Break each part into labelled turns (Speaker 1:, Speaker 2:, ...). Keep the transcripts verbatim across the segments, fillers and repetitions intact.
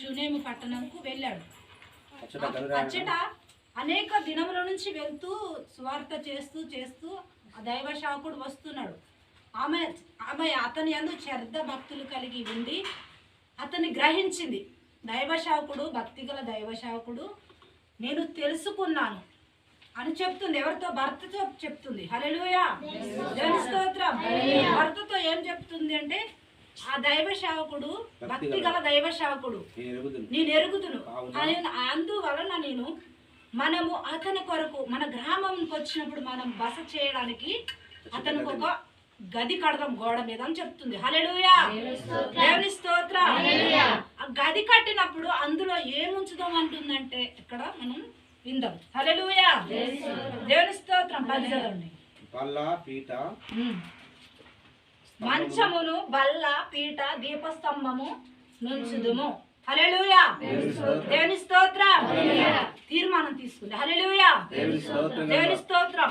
Speaker 1: షూనేము పట్టణంకు వెళ్ళాడు. అచ్చట అనేక దినముల నుంచి వెళ్తూ సువార్త చేస్తూ చేస్తూ ఆ దైవ శావకుడు వస్తున్నాడు. ఆమె ఆమె అతని యందు శ్రద్ధ భక్తులు కలిగి ఉండి అతన్ని గ్రహించింది. దైవ శావకుడు, భక్తిగల దైవ శావకుడు నేను తెలుసుకున్నాను అని చెప్తుంది. ఎవరితో? భర్తతో చెప్తుంది. హల్లెలూయా, దేవుని స్తోత్రం. భర్తతో ఏం చెప్తుంది అంటే, ఆ దైవ సేవకుడు భక్తి గల దైవ సేవకుడు నేను ఎరుగుదును, అందువలన నేను మనము అతని కొరకు మన గ్రామంకి వచ్చినప్పుడు మనం బస చేయడానికి అతనికి ఒక గది కడదాం గోడ మీద అని చెప్తుంది. హల్లెలూయా, దేవుని స్తోత్రం. ఆ గది కట్టినప్పుడు అందులో ఏముంచుదాం అంటుందంటే ఇక్కడ మనం విందాం. హల్లెలూయా, దేవుని స్తోత్రం. పది చదవండి.
Speaker 2: బల్ల, పీట,
Speaker 1: మంచమును, బల్ల, పీట, దీపస్తంభము నుంచుదుము. హల్లెలూయా, దేవుని స్తోత్రం. తీర్మానం తీసుకుంది. హల్లెలూయా, దేవుని స్తోత్రం.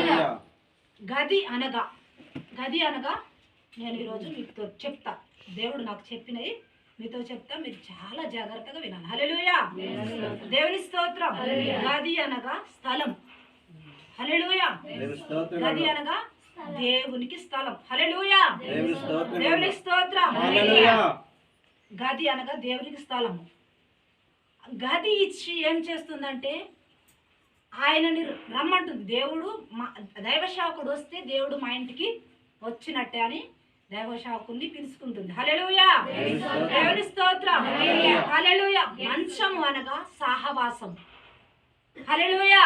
Speaker 1: గది అనగా గది అనగా నేను ఈరోజు మీతో చెప్తా. దేవుడు నాకు చెప్పినవి మీతో చెప్తా, మీరు చాలా జాగ్రత్తగా వినాలి. హల్లెలూయా, దేవుని స్తోత్రం. గది అనగా స్థలం. హల్లెలూయా, గది అనగా దేవునికి స్థలం. హల్లెలూయా, దేవునికి స్తోత్రం. గది అనగా దేవునికి స్థలము. గది ఇచ్చి ఏం చేస్తుందంటే ఆయనని రమ్మంటుంది. దేవుడు మా దైవ సేవకుడు వస్తే దేవుడు మా ఇంటికి వచ్చినట్టే అని దైవ సేవకుడిని పిలుచుకుంటుంది. హల్లెలూయా, దేవుని స్తోత్రం. హల్లెలూయా. మంచము అనగా సహవాసం. హల్లెలూయా.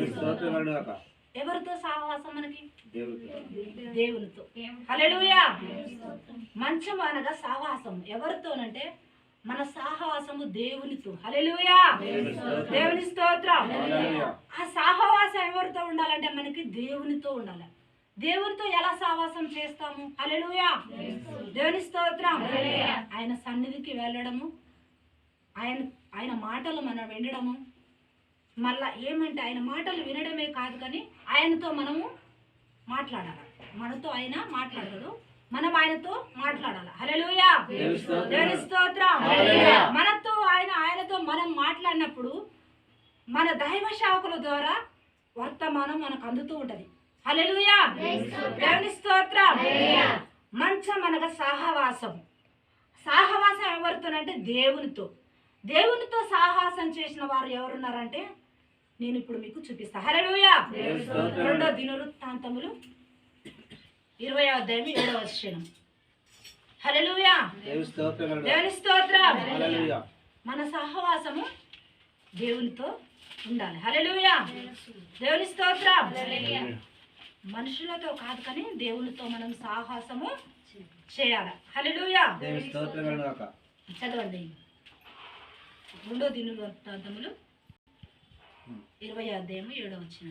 Speaker 1: ఎవరితో సహవాసం? మనకి దేవునితో. హల్లెలూయా. మంచము అనగా సహవాసం. ఎవరితోనంటే మన సహవాసము దేవునితో. హల్లెలూయా, దేవుని స్తోత్రం. ఆ సహవాసం ఎవరితో ఉండాలంటే మనకి దేవునితో ఉండాలి. దేవునితో ఎలా సహవాసం చేస్తాము? హల్లెలూయా, దేవుని స్తోత్రం. ఆయన సన్నిధికి వెళ్ళడము, ఆయన ఆయన మాటలు మనం వినడము, మళ్ళా ఏమంటే ఆయన మాటలు వినడమే కాదు కానీ ఆయనతో మనము మాట్లాడాలి. మనతో ఆయన మాట్లాడదు, మనం ఆయనతో మాట్లాడాలి. హల్లెలూయా, దేవుని స్తోత్రం. మనతో ఆయన ఆయనతో మనం మాట్లాడినప్పుడు మన దైవ సేవకుల ద్వారా వర్తమానం మనకు అందుతూ ఉంటది. హల్లెలూయా, దేవుని స్తోత్రం. మంచం అనగా సహవాసం. సహవాసం ఎవరితోనంటే దేవునితో. దేవునితో సహవాసం చేసిన వారు ఎవరున్నారంటే నేను ఇప్పుడు మీకు చూపిస్తా. హల్లెలూయా. రెండో దినవృత్తాంతములు ఇరవై అధ్యాయం ఏడవ వచనం. హల్లెలూయా, దేవుని స్తోత్రం. మన సహవాసము దేవునితో ఉండాలి. హల్లెలూయా, దేవుని స్తోత్రం. మనుషులతో కాదు కానీ దేవునితో మనం సాహసము చేయాలి. హల్లెలూయా, చదవండి. రెండో దినవృత్తాంతములు ఇరవై అధ్యాయం ఏడవ వచనం.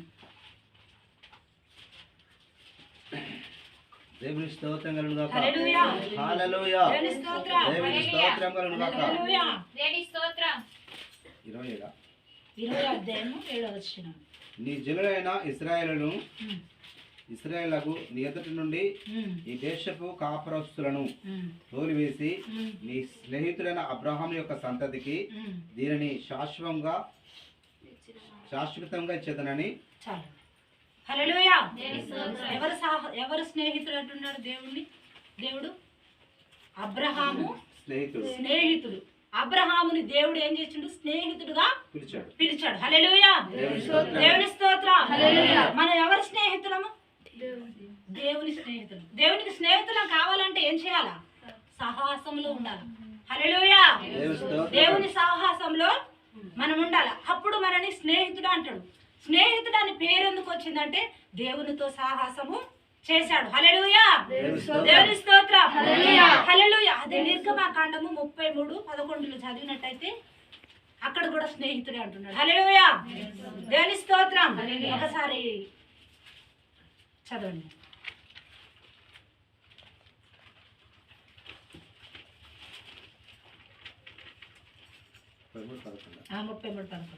Speaker 2: దేవుని స్తోత్రం కలుగుగాక.
Speaker 1: హల్లెలూయా,
Speaker 2: హల్లెలూయా,
Speaker 1: దేవుని స్తోత్రం.
Speaker 2: దేవుని స్తోత్రం కలుగుగాక.
Speaker 1: హల్లెలూయా,
Speaker 3: దేవుని స్తోత్రం.
Speaker 2: ఇరవై ఏడు
Speaker 1: ఇరవై అధ్యాయం ఏడవ వచనం.
Speaker 2: నీ జనులైన ఇశ్రాయేలును ఇశ్రాయేలుకు నీ ఎదుటి నుండి ఈ దేశపు కాపురస్తులను తోలివేసి నీ స్నేహితుడైన అబ్రహాం యొక్క సంతతికి దీనిని శాశ్వతంగా శాశ్వతంగా ఇచ్చేదనని.
Speaker 1: చాలు. హల్లెలూయా. ఎవరు సాహ ఎవరు స్నేహితుడు అంటున్నాడు దేవుణ్ణి? దేవుడు అబ్రహాము
Speaker 2: స్నేహితుడు.
Speaker 1: స్నేహితుడు అబ్రహాముని దేవుడు ఏం చేసిండు? స్నేహితుడుగా
Speaker 2: పిలిచాడు
Speaker 1: పిలిచాడు. హల్లెలూయా, దేవుని స్తోత్రం. మనం ఎవరి స్నేహితులము? దేవుని స్నేహితులు. దేవునికి స్నేహితులం కావాలంటే ఏం చేయాలా? సహవాసంలో ఉండాలి. హల్లెలూయా, దేవుని సహవాసంలో మనం ఉండాలి. అప్పుడు మనని స్నేహితుడు అంటాడు. స్నేహితుడు అని పేరు ఎందుకు వచ్చిందంటే దేవునితో సాహసము చేశాడు. హల్లెలూయా, దేవుని స్తోత్రం. హల్లెలూయా. అదే నిర్గమకాండము ముప్పై మూడు పదకొండులో చదివినట్టయితే అక్కడ కూడా స్నేహితుడే అంటున్నాడు. హల్లెలూయా, దేవుని స్తోత్రం. ఒకసారి చదవండి. ముప్పై మూడు పదకొండు.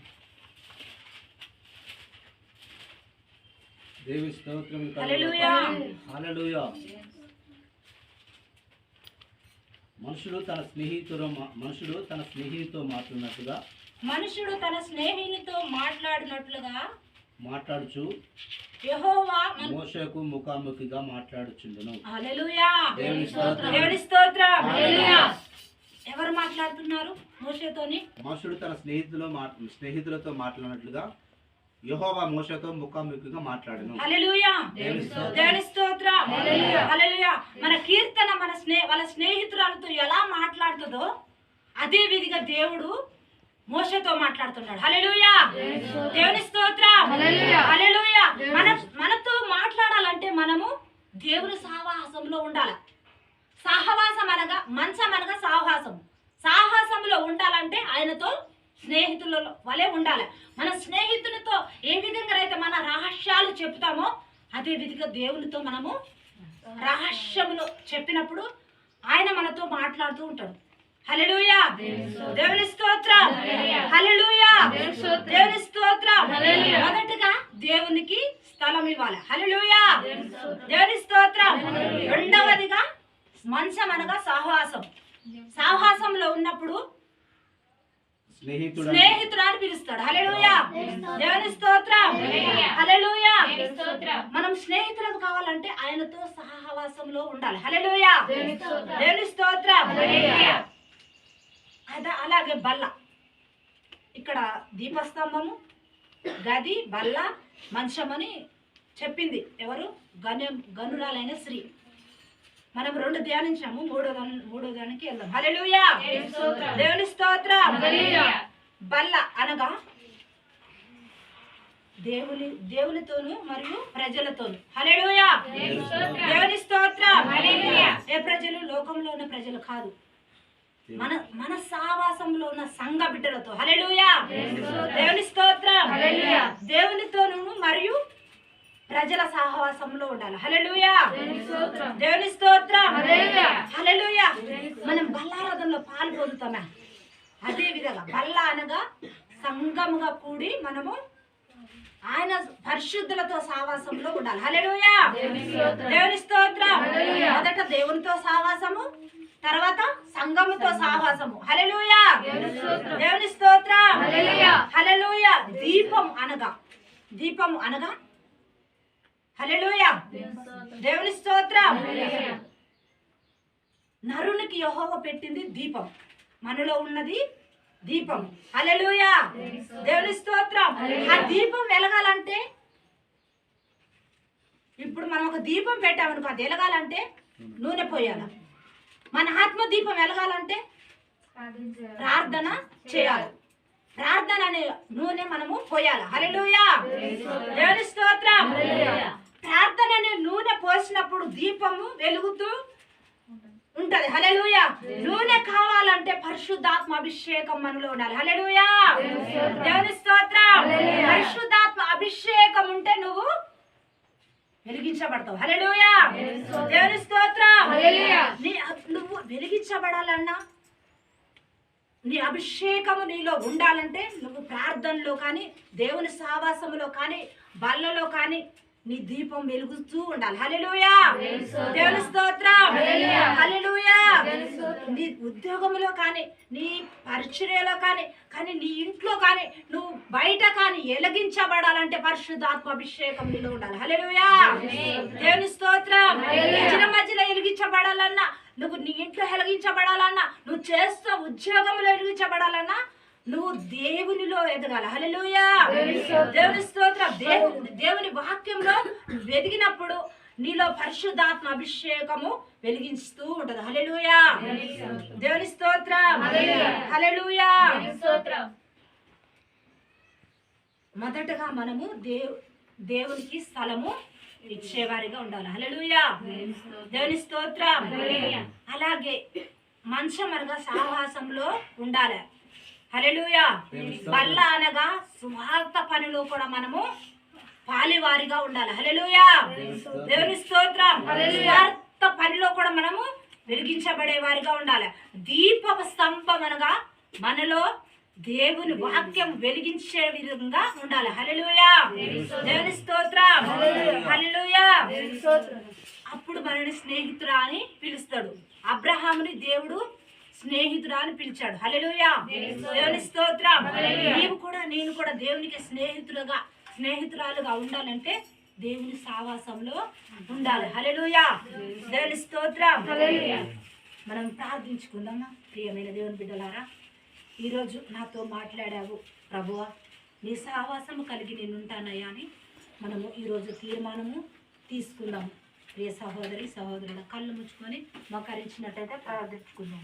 Speaker 2: దేవుని స్తోత్రం.
Speaker 1: హల్లెలూయా,
Speaker 2: హల్లెలూయా. మనుషుడు తన స్నేహితుడు మనుషుడు తన స్నేహితుతో మాట్లాడినట్టుగా
Speaker 1: మనుషుడు తన స్నేహితునితో మాట్లాడినట్లుగా
Speaker 2: మాట్లాడుచు
Speaker 1: యెహోవా మన-
Speaker 2: మోషేకు ముఖాముఖిగా మాట్లాడుచుండును.
Speaker 1: హల్లెలూయా.
Speaker 2: దేవుని స్తోత్రం.
Speaker 1: దేవుని స్తోత్రం. హల్లెలూయా. ఎవరు మాట్లాడుతున్నారు మోషేతోని?
Speaker 2: మనుషుడు తన స్నేహితులు స్నేహితులతో మాట్లాడినట్లుగా యెహోవా మోషేతో ముఖాముఖిగా మాట్లాడను.
Speaker 1: హల్లెలూయా.
Speaker 2: దేవుని స్తోత్రం.
Speaker 1: దేవుని స్తోత్రం. హల్లెలూయా. మన కీర్తన మన స్నే వాళ్ళ స్నేహితురాలతో ఎలా మాట్లాడుతుందో అదే విధిగా దేవుడు మోషేతో మాట్లాడుతున్నాడు. హల్లెలూయా. దేవుని స్తోత్రం. హల్లెలూయా. మన మనతో మాట్లాడాలంటే మనము దేవుని సహవాసంలో ఉండాలి. సహవాసం అనగా మంచం అనగా సాహసం. సాహసంలో ఉండాలంటే ఆయనతో స్నేహితుల వలె ఉండాలి. మన స్నేహితునితో ఏ విధంగా అయితే మన రహస్యాలు చెప్తామో అదే విధిగా దేవునితో మనము రహస్యములు చెప్పినప్పుడు ఆయన మనతో మాట్లాడుతూ ఉంటాడు. హల్లెలూయా. దేవుని స్తోత్రం. హల్లెలూయా. దేవుని స్తోత్రం. మొదటగా దేవునికి స్థలం ఇవ్వాలి. హల్లెలూయా. దేవుని స్తోత్రం. రెండవదిగా మంచం అనగా సహవాసం. సహవాసంలో ఉన్నప్పుడు
Speaker 2: స్నేహితుడు
Speaker 1: స్నేహితుడు అని పిలుస్తాడు. హల్లెలూయా. దేవుని స్తోత్రం. హల్లెలూయా. మనం స్నేహితులకు కావాలంటే ఆయనతో సహవాసంలో ఉండాలి. హల్లెలూయా. దేవుని స్తోత్రం. అదా అలాగే బల్ల, ఇక్కడ దీపస్తంభము, గది, బల్ల, మంచమని చెప్పింది ఎవరు? గను గనురాలైన స్త్రీ. మనం రెండు ధ్యానించాము, మూడో దాని మూడో దానికి వెళ్దాం. హల్లెలూయా. దేవుని స్తోత్రం. బల్ల అనగా దేవుని దేవునితోను మరియు ప్రజలతోను. హల్లెలూయా. దేవుని స్తోత్రం. ఏ ప్రజలు? లోకంలో ఉన్న ప్రజలు కాదు, మన మన సహవాసంలో ఉన్న సంఘ బిడ్డలతో. హల్లెలూయా. దేవుని స్తోత్రం. దేవునితోను మరియు ప్రజల సహవాసంలో ఉండాలి. హల్లెలూయా. దేవుని స్తోత్రం. హల్లెలూయా. మనం బల్లారాధనలో పాలు పొందుతామా? అదే విధంగా బల్ల అనగా సంఘముగా కూడి మనము ఆయన పరిశుద్ధులతో సహవాసంలో ఉండాలి. హల్లెలూయా. దేవుని స్తోత్రం. మొదట దేవునితో సహవాసము, తర్వాత సంఘముతో సహవాసము. హల్లెలూయా. దేవుని స్తోత్రం. హల్లెలూయా. దీపం అనగా దీపం అనగా హల్లెలూయా. దేవుని స్తోత్రం. నరునికి యెహోవా పెట్టింది దీపం, మనలో ఉన్నది దీపం. హల్లెలూయా. దేవుని స్తోత్రం. ఆ దీపం వెలగాలంటే, ఇప్పుడు మనం ఒక దీపం పెట్టామనుకో, అది వెలగాలంటే నూనె పోయాల. మన ఆత్మ దీపం వెలగాలంటే ప్రార్థన చేయాలి. ప్రార్థన అనే నూనె మనము పోయాలి. హల్లెలూయా. దేవుని స్తోత్రం. ప్రార్థన అనే నూనె పోసినప్పుడు దీపము వెలుగుతూ ఉంటది. హల్లెలూయా. నూనె కావాలంటే పరిశుద్ధాత్మ అభిషేకం మనలో ఉండాలి. హల్లెలూయా. దేవుని స్తోత్రం. పరిశుద్ధాత్మ అభిషేకం ఉంటే నువ్వు వెలిగించబడతావు. హల్లెలూయా. దేవుని స్తోత్రం. నువ్వు వెలిగించబడాలన్నా, నీ అభిషేకము నీలో ఉండాలంటే నువ్వు ప్రార్థనలో కానీ, దేవుని సహవాసములో కానీ, బల్లలో కానీ నీ దీపం వెలుగుతూ ఉండాలి. హల్లెలూయా. దేవుని స్తోత్రం. హల్లెలూయా. నీ ఉద్యోగంలో కానీ, నీ పరిచర్యలో కానీ, కానీ నీ ఇంట్లో కానీ, నువ్వు బయట కానీ వెలిగించబడాలంటే పరిశుద్ధాత్మ అభిషేకం నీలో ఉండాలి. హల్లెలూయా. దేవుని స్తోత్రం. మధ్యలో మధ్యలో వెలిగించబడాలన్నా, నువ్వు నీ ఇంట్లో వెలిగించబడాలన్నా, నువ్వు చేస్తూ ఉద్యోగంలో వెలిగించబడాలన్నా నువ్వు దేవునిలో ఎదగాల. హల్లెలూయా. దేవుని స్తోత్రం. దేవుని దేవుని వాక్యంలో వెదిగినప్పుడు నీలో పరిశుద్ధాత్మ అభిషేకము వెలిగిస్తూ ఉంటది. హల్లెలూయా. దేవుని స్తోత్రం. హల్లెలూయా. మొదటగా మనము దేవు దేవునికి స్థలము ఇచ్చేవారిగా ఉండాలి. హల్లెలూయా. దేవుని స్తోత్రం. అలాగే మంచం అనగా సహవాసంలో ఉండాలి. హల్లెలూయా. బల్ల అనగా సువార్త పనిలో కూడా మనము పాలివారిగా ఉండాలి. హల్లెలూయా. దేవుని స్తోత్రం. సువార్త పనిలో కూడా మనము వెలిగించబడే వారిగా ఉండాలి. దీప స్తంభం అనగా మనలో దేవుని వాక్యం వెలిగించే విధంగా ఉండాలి. హల్లెలూయా. దేవుని స్తోత్రం. హల్లెలూయా. అప్పుడు మనని స్నేహితురా అని పిలుస్తాడు. అబ్రహాముని దేవుడు స్నేహితుడా అని పిలిచాడు. హల్లెలూయా, దేవుని స్తోత్రం. నీవు కూడా నేను కూడా దేవునికి స్నేహితులుగా స్నేహితురాలుగా ఉండాలంటే దేవుని సావాసంలో ఉండాలి. హల్లెలూయా, దేవుని స్తోత్రం. మనం ప్రార్థించుకుందామా. ప్రియమైన దేవుని బిడ్డలారా, ఈరోజు నాతో మాట్లాడావు ప్రభువా, నీ సహవాసము కలిగి నేను ఉంటానయ్యా అని మనము ఈరోజు తీర్మానము తీసుకుందాము. ప్రియ సహోదరి సహోదరుల కళ్ళు ముచ్చుకొని మోకరించినట్టయితే ప్రార్థించుకుందాం.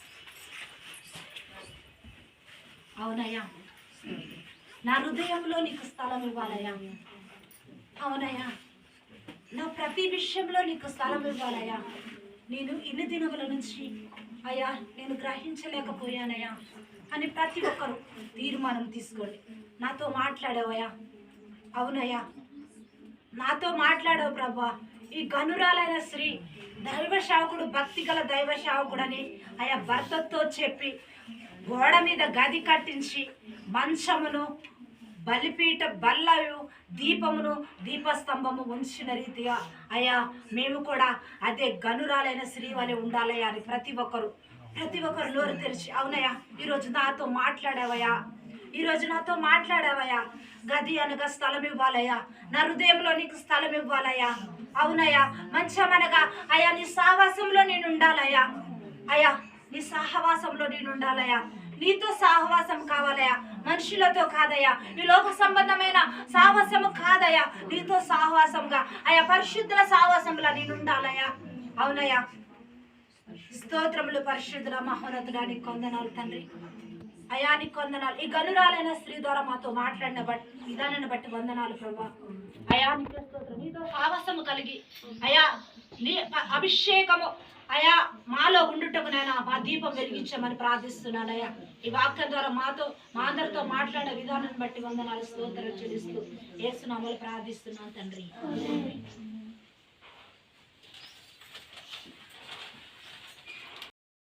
Speaker 1: అవునయ్యా, నా హృదయంలో నీకు స్థలం ఇవ్వాలయ్యా. అవునయ్యా, నా ప్రతి విషయంలో నీకు స్థలం ఇవ్వాలయ్యా. నేను ఇన్ని దినముల నుంచి అయ్యా నేను గ్రహించలేకపోయానయ్యా అని ప్రతి ఒక్కరు తీర్మానం తీసుకోండి. నాతో మాట్లాడావయ్యా. అవునయ్యా, నాతో మాట్లాడావు ప్రభా. ఈ గనురాలైన స్త్రీ దైవ శావకుడు, భక్తి గల దైవ శావకుడని అయ్యా భర్తతో చెప్పి గోడ మీద గది కట్టించి మంచమును బలిపీఠ బల్లయు దీపమును దీపస్తంభము ఉంచిన రీతిగా అయ్యా మేము కూడా అదే గనురాలైన స్త్రీ వలె ఉండాలయ్యా అని ప్రతి ఒక్కరు ప్రతి ఒక్కరు నోరు తెరిచి అవునయ్యా ఈరోజు నాతో మాట్లాడావయ్యా, ఈరోజు నాతో మాట్లాడావయ్యా. గది అనగా స్థలం ఇవ్వాలయ్యా, నా హృదయంలో నీకు స్థలం ఇవ్వాలయ్యా. అవునయ్యా, మంచమనగా అయ్యా నీ సహవాసంలో నేను ఉండాలయ్యా. అయ్యా నీ సహవాసంలో నేను ఉండాలయ్యా. నీతో సహవాసం కావాలయ్యా, మనుషులతో కాదయ్యా. ఈ లోక సంబంధమైన సహవాసము కాదయ్యా, నీతో సహవాసంగా అయ్యా పరిశుద్ధుల సహవాసంలో నేను ఉండాలయ్యా. అవునయ్యా, స్తోత్రములు పరిశుద్ధుల మహోన్నతుడా నీకు వందనాలు తండ్రి. అయా నీకు వందనాలు. ఈ గనురాలైన స్త్రీ ద్వారా మాతో మాట్లాడిన బట్టి విధానాన్ని బట్టి వందనాలు ప్రభా. అయా నీకు స్తోత్రం. నీతో సావాసము కలిగి అయా నీ అభిషేకము అయా మాలో ఉండుటకు నేను మా దీపం వెలిగించమని ప్రార్థిస్తున్నానయ్యా. ఈ వాక్యం ద్వారా మాతో మా అందరితో మాట్లాడే విధానాన్ని బట్టి వందనాలు స్తోత్రం చెల్లిస్తూ యేసు నామములో ప్రార్థిస్తున్నాను తండ్రి.